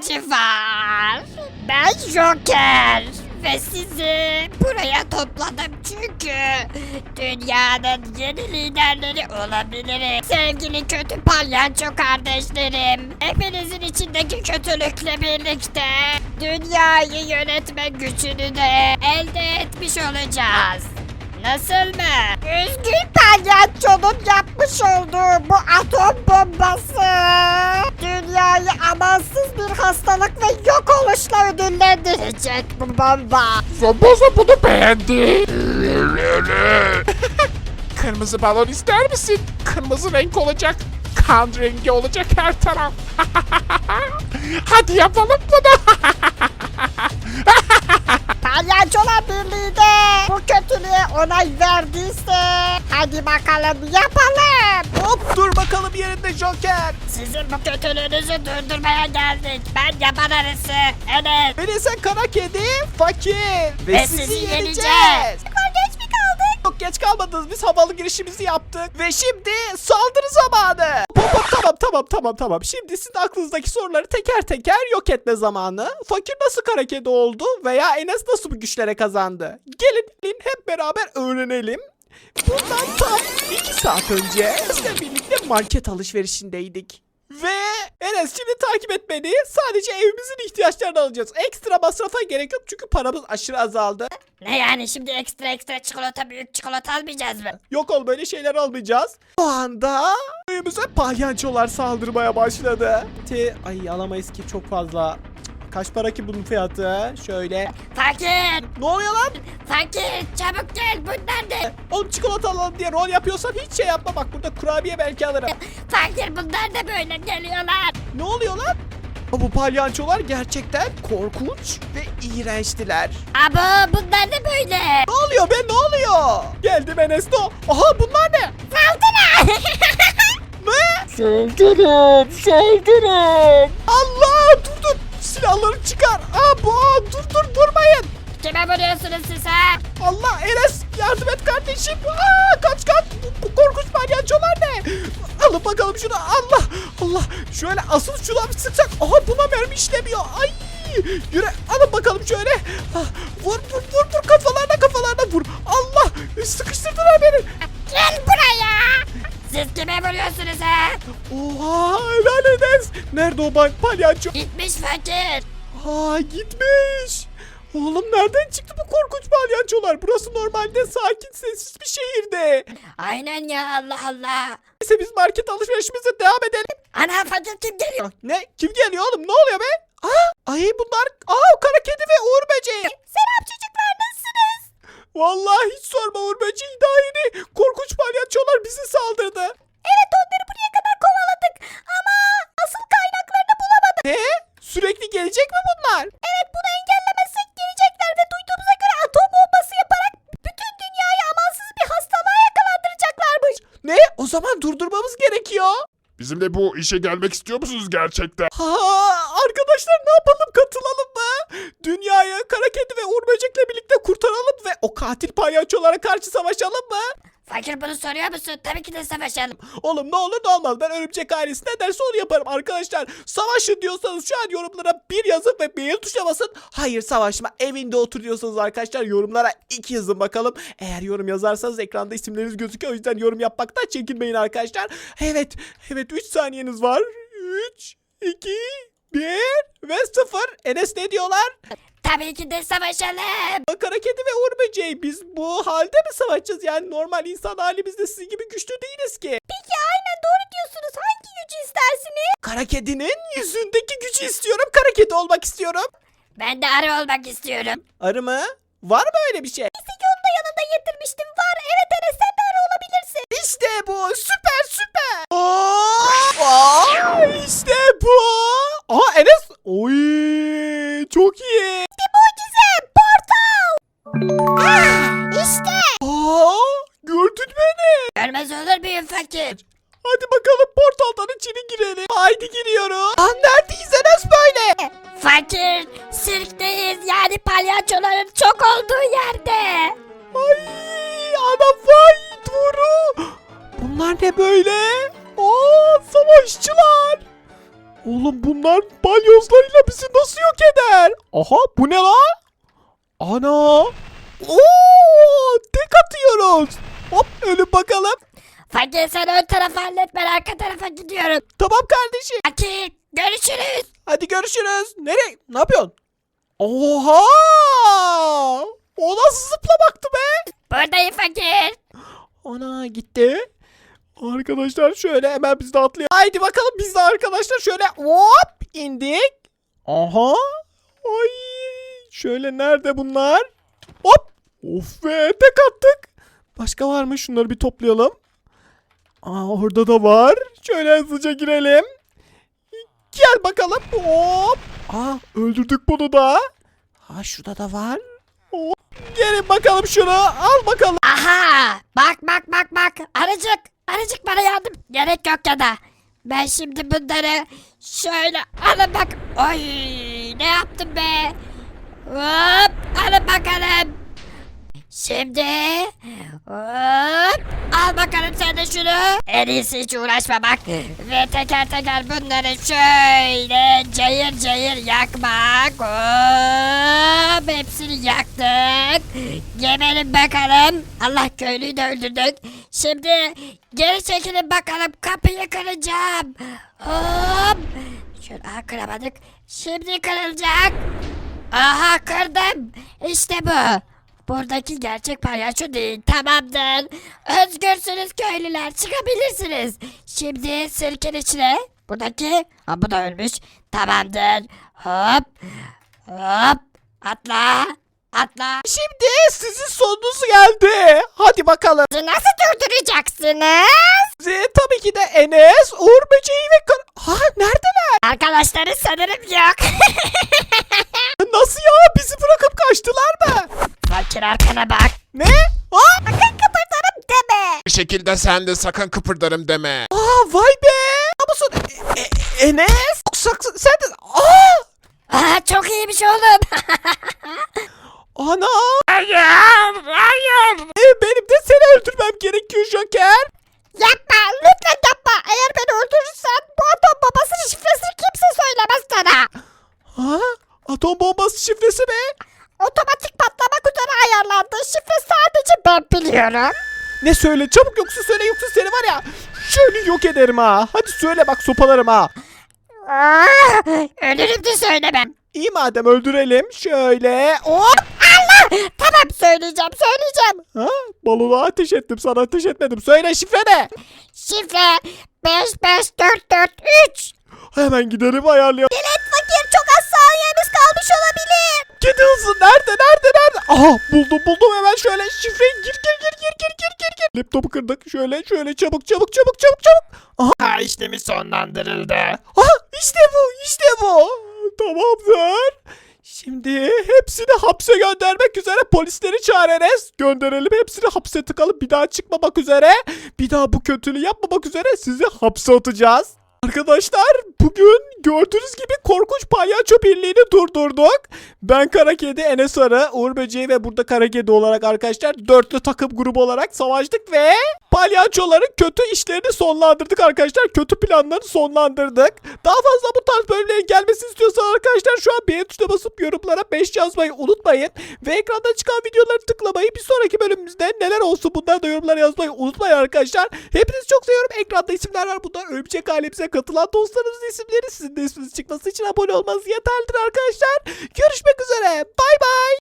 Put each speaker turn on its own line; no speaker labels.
ihtiyacı var. Ben Joker ve sizi buraya topladım çünkü dünyanın yeni liderleri olabilirim. Sevgili kötü palyaço kardeşlerim, hepinizin içindeki kötülükle birlikte dünyayı yönetme gücünü de elde etmiş olacağız. Nasıl mı? Üzgün palyaçonun yapmış olduğu bu atom bombası dünyayı amansız bir hastalık ve yok oluşla ödüllendirecek bu bomba.
Zombozo bunu beğendi. Kırmızı balon ister misin? Kırmızı renk olacak. Kan rengi olacak her taraf. Hadi yapalım bunu.
Palyaçolar Birliği de bu kötülüğe onay verdiyse hadi bakalım yapalım.
Hop dur bakalım yerinde Joker.
Sizin bu kötülüğünüzü durdurmaya geldik. Ben yaban arısı Enes.
Melisa kara kedi, fakir.
Ve sizi yeneceğiz.
Geç mi kaldık? Çok geç kalmadınız. Biz havalı girişimizi yaptık. Ve şimdi saldırı zamanı. Hop, tamam. Şimdi sizin aklınızdaki soruları teker teker yok etme zamanı. Fakir nasıl kara kedi oldu veya Enes nasıl bu güçlere kazandı? Gelin hep beraber öğrenelim. Bundan tam 2 saat önce sizle birlikte market alışverişindeydik. Ve Enes şimdi takip et beni. Sadece evimizin ihtiyaçlarını alacağız. Ekstra masrafa gerek yok çünkü paramız aşırı azaldı.
Ne yani şimdi ekstra çikolata büyük çikolata almayacağız mı?
Yok ol böyle şeyler almayacağız. O anda evimize palyaçolar saldırmaya başladı. Ay alamayız ki çok fazla. Kaç para ki bunun fiyatı? Şöyle.
Fakir!
Ne oluyor lan?
Fakir! Çabuk gel bunlar ne?
Oğlum çikolata alalım diye rol yapıyorsan hiç şey yapma. Bak burada kurabiye belki alırım.
Fakir bunlar da böyle geliyorlar.
Ne oluyor lan? Bu palyaçolar gerçekten korkunç ve iğrençtiler.
Abo bunlar da böyle.
Ne oluyor be ne oluyor? Geldim Enesto. Aha bunlar ne?
Saldırı!
Ne?
Saldırın.
Allah dur. Silahları çıkar. Dur vurmayın.
Kime vuruyorsunuz siz ha?
Allah Enes yardım et kardeşim. Kaç. Bu korkunç palyaçolar ne? Alın bakalım şunu. Allah. Şöyle asıl şuna bir sıksak. Aha buna mermi işlemiyor. Ay. Yürü alın bakalım şöyle. Vur kafalarına vur. Allah sıkıştırdılar beni.
Gel buraya. Siz kime vuruyorsunuz ha?
Oha helal Enes. Nerede o palyaço?
Gitmiş fakir.
Gitmiş. Oğlum nereden çıktı bu korkunç palyaçolar? Burası normalde sakin sessiz bir şehirde.
Aynen ya Allah Allah.
Neyse biz market alışverişimize devam edelim.
Ana fakir kim geliyor?
Ne? Kim geliyor oğlum? Ne oluyor be? Ay bunlar. Kara kedi ve Uğur böceği.
Selam çocuklar nasılsınız?
Vallahi hiç sorma Uğur böceği daha yeni. Korkunç palyaçolar bizi saldırdı.
Evet onları buraya kadar kovaladık ama asıl kaynaklarını bulamadık.
Ne? Sürekli gelecek mi bunlar?
Evet bunu engellemezsek gelecekler ve duyduğumuza göre atom bombası yaparak bütün dünyayı amansız bir hastalığa yakalandıracaklarmış.
Ne? O zaman durdurmamız gerekiyor.
Bizimle bu işe gelmek istiyor musunuz gerçekten?
Arkadaşlar ne yapalım katılalım mı? Dünyayı kara kedi ve Uğur böcekle birlikte kurtaralım ve o katil palyaçolara karşı savaşalım mı?
Fakir bunu soruyor musun? Tabii ki de savaşalım.
Oğlum ne olur ne olmaz ben örümcek ailesi ne derse onu yaparım arkadaşlar. Savaşın diyorsanız şu an yorumlara 1 yazın ve beğen tuşuna basın. Hayır savaşma evinde otur diyorsanız arkadaşlar yorumlara 2 yazın bakalım. Eğer yorum yazarsanız ekranda isimleriniz gözüküyor o yüzden yorum yapmaktan çekinmeyin arkadaşlar. Evet 3 saniyeniz var. 3, 2, 1 ve 0. Enes ne diyorlar?
Tabii ki de savaşalım.
Kara kedi ve Uğur böceği biz bu halde mi savaşacağız? Yani normal insan halimizde sizin gibi güçlü değiliz ki.
Peki aynen doğru diyorsunuz. Hangi gücü istersiniz?
Kara kedinin yüzündeki gücü istiyorum. Kara kedi olmak istiyorum.
Ben de arı olmak istiyorum.
Arı mı? Var mı öyle bir şey?
Neyse ki onu da yanında getirmiştim. Var evet Enes sen de arı olabilirsin.
İşte bu. Süper. İşte bu. Enes. Oy, çok iyi.
Mucize portal. İşte.
Gördün beni.
Görmez olur muyum fakir?
Hadi bakalım portaldan içeri girelim. Haydi giriyoruz. Neredeyiz Enes böyle?
Fakir sirkteyiz yani palyaçoların çok olduğu yerde.
Ay ana vay doğru. Bunlar ne böyle? Savaşçılar. Oğlum bunlar balyozlarıyla bizi nasıl yok eder? Aha bu ne la? Ana. Oo, tek atıyoruz. Hop ölüm bakalım.
Fakir sen ön tarafı hallet, ben arka tarafa gidiyorum.
Tamam kardeşim.
Fakir görüşürüz.
Hadi görüşürüz. Nereye? Ne yapıyorsun? Oha! O nasıl zıplamaktı be?
Buradayım fakir.
Ana gitti. Arkadaşlar şöyle hemen biz de atlayalım. Haydi bakalım biz de arkadaşlar şöyle hop indik. Aha. Ay. Şöyle nerede bunlar? Hop. Of be tek attık. Başka var mı? Şunları bir toplayalım. Aa orada da var. Şöyle hızlıca girelim. Gel bakalım. Hop. Aa öldürdük bunu da. Ha şurada da var. Hop. Gelin bakalım şunu. Al bakalım.
Aha bak arıcık bana yardım gerek yok ya da ben şimdi bunları şöyle alın bak. Oy ne yaptım be, hop alın bakalım. Şimdi hop al bakalım sen de şunu. En iyisi hiç uğraşmamak ve teker teker bunları şöyle cayır cayır yakmak. Hop hepsini yaktık. Yemelim bakalım. Allah köylüyü de öldürdük. Şimdi geri çekilin bakalım, kapıyı kıracağım. Hop. Şöyle kıramadık. Şimdi kırılacak. Aha kırdım. İşte bu. Buradaki gerçek palyaço değil. Tamamdır. Özgürsünüz köylüler. Çıkabilirsiniz. Şimdi sirkin içine. Buradaki. Ha bu da ölmüş. Tamamdır. Hop. Hop. Atla. Atla.
Şimdi sizin sonunuz geldi. Hadi bakalım.
Nasıl durduracaksınız?
Tabii ki de Enes, Uğur Böceği ve Ha neredeler?
Arkadaşları sanırım yok.
Nasıl ya? Bizi bırakıp kaçtılar mı?
Fakir arkana bak.
Ne? Aa,
Sakın kıpırdarım deme.
Bir şekilde sen de sakın kıpırdarım deme.
vay be. Ne musun? Enes? Sen de...
Aa, çok iyiymiş oğlum.
Ana.
Hayır, hayır.
Benim de seni öldürmem gerekiyor Joker.
Yapma lütfen yapma. Eğer beni öldürürsen bu atom babasının şifresini kimse söylemez sana.
Ha? Atom bombası şifresi mi?
Otomatik patlamak üzere ayarlandı. Şifre sadece ben biliyorum.
Ne söyle çabuk yoksa söyle yoksa seni var ya şöyle yok ederim ha. Hadi söyle bak sopalarım ha.
Ölürüm de söylemem.
İyi madem öldürelim. Şöyle. Hop.
Tamam söyleyeceğim.
Ha? Balona ateş ettim sana ateş etmedim. Söyle şifre ne?
Şifre 55443.
Hemen gidelim ayarlayalım.
Fakir çok az saniyemiz kalmış olabilir.
Kedi hızlı nerede? Aha buldum hemen şöyle şifreyi gir. Laptopu kırdık şöyle çabuk.
Ha işlemi sonlandırıldı.
Aha işte bu. Tamamdır. Şimdi hepsini hapse göndermek üzere polisleri çağırırız. Gönderelim hepsini hapse tıkalım bir daha çıkmamak üzere. Bir daha bu kötülüğü yapmamak üzere sizi hapse atacağız. Arkadaşlar bugün gördüğünüz gibi korkunç palyaço birliğini durdurduk. Ben Kara Kedi, Enes Arı, Uğur Böceği ve burada Kara Kedi olarak arkadaşlar dörtlü takım grubu olarak savaştık ve palyaçoların kötü işlerini sonlandırdık arkadaşlar. Kötü planlarını sonlandırdık. Daha fazla bu tarz bölümlerin gelmesini istiyorsanız arkadaşlar şu an beğen tuşuna basıp yorumlara 5 yazmayı unutmayın. Ve ekranda çıkan videoları tıklamayı bir sonraki bölümümüzde neler olsun bunları da yorumlara yazmayı unutmayın arkadaşlar. Hepinizi çok seviyorum. Ekranda isimler var. Bunlar Örümcek ailemize katılan dostlarımızın isimleri. Sizin de isminiz çıkması için abone olmanız yeterlidir arkadaşlar. Görüşmek üzere. Bay bay.